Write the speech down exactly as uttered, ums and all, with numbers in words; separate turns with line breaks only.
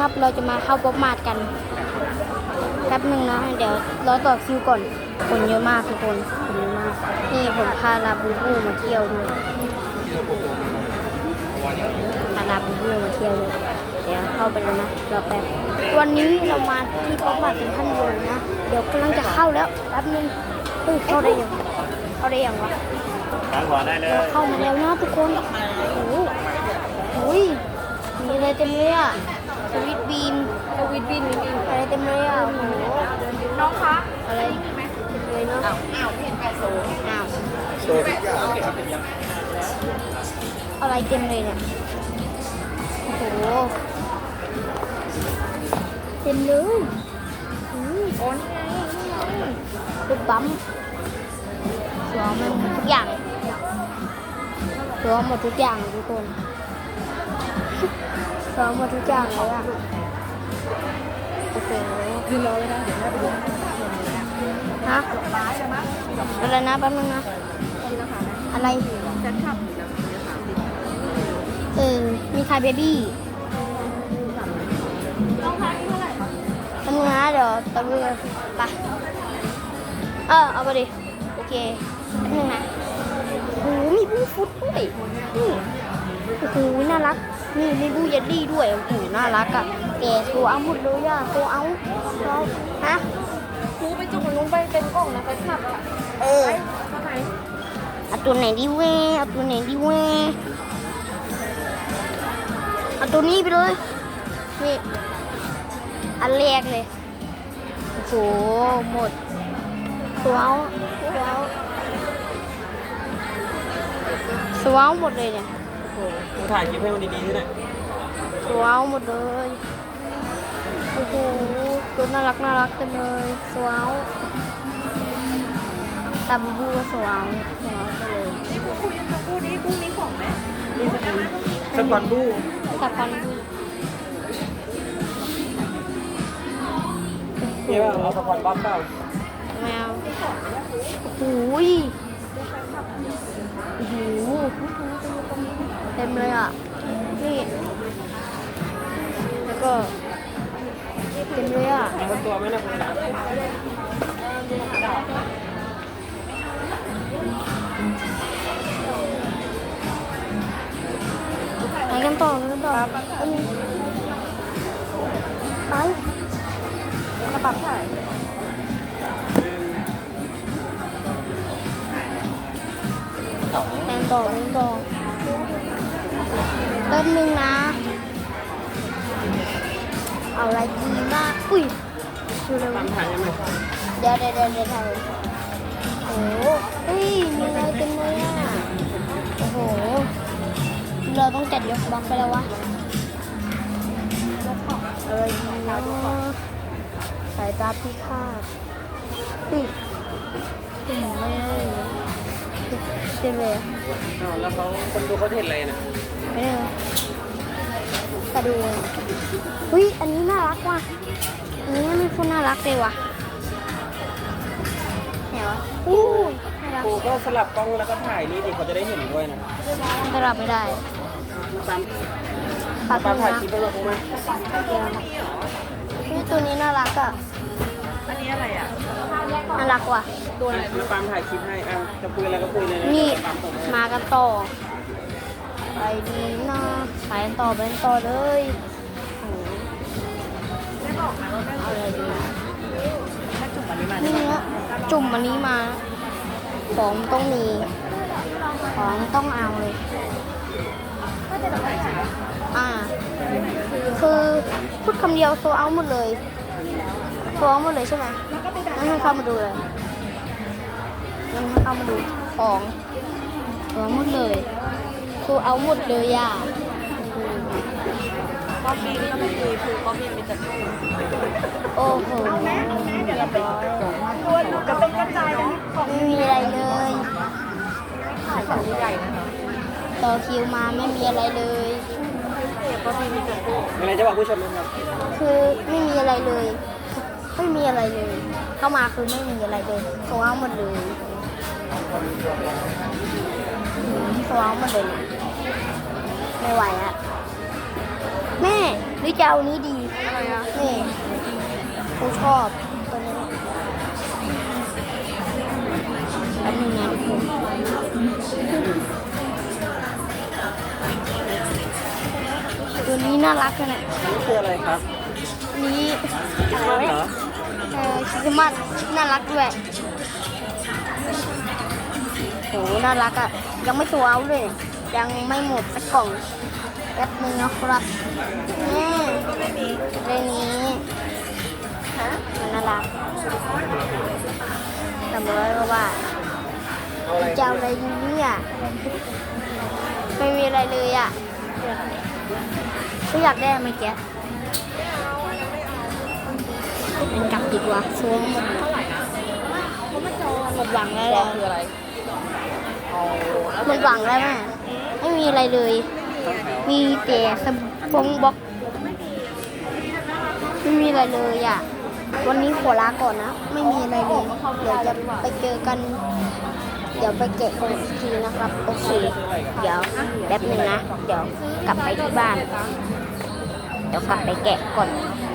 เราจะมาเข้าป๊อปมาร์ทกันแป๊บหนึ่งนะเดี๋ยวรอต่อคิวก่อนคนเยอะมากทุกคนคนเยอะมากนี่ผมพาลาบูบูมาเที่ยวด้วยพาลาบูบูมาเที่ยวด้วยเดี๋ยวเข้าไปแล้วนะรอแป๊บวันนี้เรามาที่ป๊อปมาร์ทเป็นท่านโยนะเดี๋ยวกำลังจะเข้าแล้วแป๊บนึงเฮ้ยเข้าได้ยังเข้าได้ยังวะ
ตั้งหัวได้เลย
เข้ามาแล้วนะทุกคนโอ้โหโอ้ยมีอะไรเต็มเลยอ่ะสวิตบีมสวิตบีมอะไรเต็มเลยอ่ะโอ้โหน้องคะอะไรเต็มเลยเนาะอ้าวอ้าวไม่เห็นไก่โซ่อ้าวโซ่อะไรเต็มเลยเนี่ยโอ้โหเต็มเลยอืมโอ้ยรถบัมสวมมันหมดทุกอย่างสวมหมดทุกอย่างทุกคนสวมหมดทุกอย่างเลยอ่ะโอ้โหยืนรอเลยนะเดี๋ยวแม่ไปดูฮะอะไรนะแป๊บนึงนะอะไรเออมีคายเบบี้ต้องทานเท่าไหร่คะแป๊บนึงนะเดี๋ยวตะลุยกันไปเออเอาไปดิโอเคแป๊บนึงนะโอ้โหมีบูฟุตด้วยนี่โอ้โหน่ารักนี่มีบูเยลลี่ด้วยโอ้โหน่ารักอ่ะแกตัวเอาหมดเลยอ่ะตัวเอาตัวฮะคูไปจุกนู้นไปเป็นกล่องนะไปขับอ่ะเออเอาตัวไหนดีเว้เอาตัวไหนดีเว้เอาตัวนี้ไปเลยนี่อันแรกเลยโอ้โหหมดตัวเอาตัวเอาสว้าวหมดเลยเนี่ยโอ้โห
กูถ่ายคลิปให้มันดีๆด้วยนะ
สว้าวหมดเลยโอ้โหตัวน่ารักน่ารักเต็มเลยสว้าวตาบูบูก็สว้าวสว้าวไปเลยนี่กูคุยกับกูนี้กูมีของไหม
สปอนบู
กับพันบู
นี่ว่าเอาสปอนบ๊อบเปล่า
แมวโอ้โหโอ้โหเต็มเลยอ่ะนี่แล้วก็เต็มเลยอ่ะ
เอาตัวไหมนะคุณตา
ไปกันต่อไปกันต่ออันนี้ไปกระเป๋าถ่ายแทนต่อแทนต่อแป๊บนึงนะเอาอะไรดีมากอุ้ยดูเร็ว
ตามถ่ายยังไง
เดี๋ยวเดี๋ยวเดี๋ยวเดี๋ยวถ่ายโอ้โหเฮ้ยมีอะไรเต็มเลยอ่ะโอ้โหเราต้องจัดยกบล็อกไปแล้ววะเอ้ยเนาะสายตาพิฆาตอืมอืมไม่ได้เต็มเลยอ่ะ
อ้าวแล้วเขาคนดูเขาเห็นอะไรนะ
ไม่ได้กระดูกเฮ้ยอันนี้น่ารักว่ะอันนี้ไม่พูดน่ารักเลยว่ะไหนวะอู้น่ารัก
กูก็สลับกล้องแล้วก็ถ่ายนี่ดิเขาจะได้เห็นด้วยนะ
สลับไม่ได้
ตาม
ปัด
ตาม
มื
ถ่าย
อ
คลิป
นะ
ให้เราดูไหม
เฮ้ยตัวนี้น่ารักอ่ะ
อันนี้อะไรอ่ะ
น่ารักว่ะ
ตัวอะไรมาตามถ่ายคลิปให้อ่ะจะคุยอะไรก็คุยเลยนะ
นี่
ตามผม
มากันต่อไปดีนะไปกันต่อไปกันต่อเลยโอ้โหเอาอะไรดีนี่เนี้ยจุ่มอันนี้มา ของต้องมี ของต้องเอาเลย อ่า คือพูดคำเดียวโซเอาหมดเลยโซเอาหมดเลยใช่ไหมงั้นให้เข้ามาดูเลยงั้นให้เข้ามาดูของโซเอาหมดเลยโซเอาหมดเลยอ่ะ
ป๊อปปี้ก็ไม่คุยคือป๊อปปี้มีแต่
โอ้โหเรียบร้อยตัวหนูจะเป็นกระจายไม่มีอะไรเลยต่อคิวมาไม่มีอะไรเลย
ป๊อปปี้มีแต่มีอะไรจะบอกผู้ชมไหมครับ
คือไม่มีอะไรเลย ไม่มีอะไรเลย เข้ามาคือไม่มีอะไรเลยโซเอาหมดเลยโซเอาหมดเลยนะไม่ไหวอะแม่หรือจะเอานี้ดี
อะไรอ่ะ
นี่ผมชอบตัวนี้แป๊บนึงนะตัวนี้น่ารักขนาด
นี่คืออะไรครับ
นี้
คริสต์มาสเหรอ
เออคริสต์มาสน่ารักด้วยโหน่ารักอ่ะ ยังไม่ตัวเอาเลย ยังไม่หมดสักกล่องแป๊บนึงนะครับนี่เรื่องนี้ฮะมันน่ารักจำไว้ว่า
เอาอะไร
จะเอาอะไรดีเนี่ยไม่มีอะไรเลยอ่ะก็อยากได้เมื่อกี้เป็นกลับดีกว่าซวงหมดหมดหวังแล้ว
ร
แห
อ
ละ
คืออะไรเอา
หมดหวังแล้วแม่ไม่มีอะไรเลย มีแต่สปงบ็อกไม่มีอะไรเลยอ่ะ วันนี้ขอลาก่อนนะ ไม่มีอะไรเลย เดี๋ยวจะไปเจอกัน เดี๋ยวไปแกะกันอีกทีนะครับ โอเค เดี๋ยวแป๊บหนึ่งนะ เดี๋ยวกลับไปที่บ้าน เดี๋ยวกลับไปแกะก่อน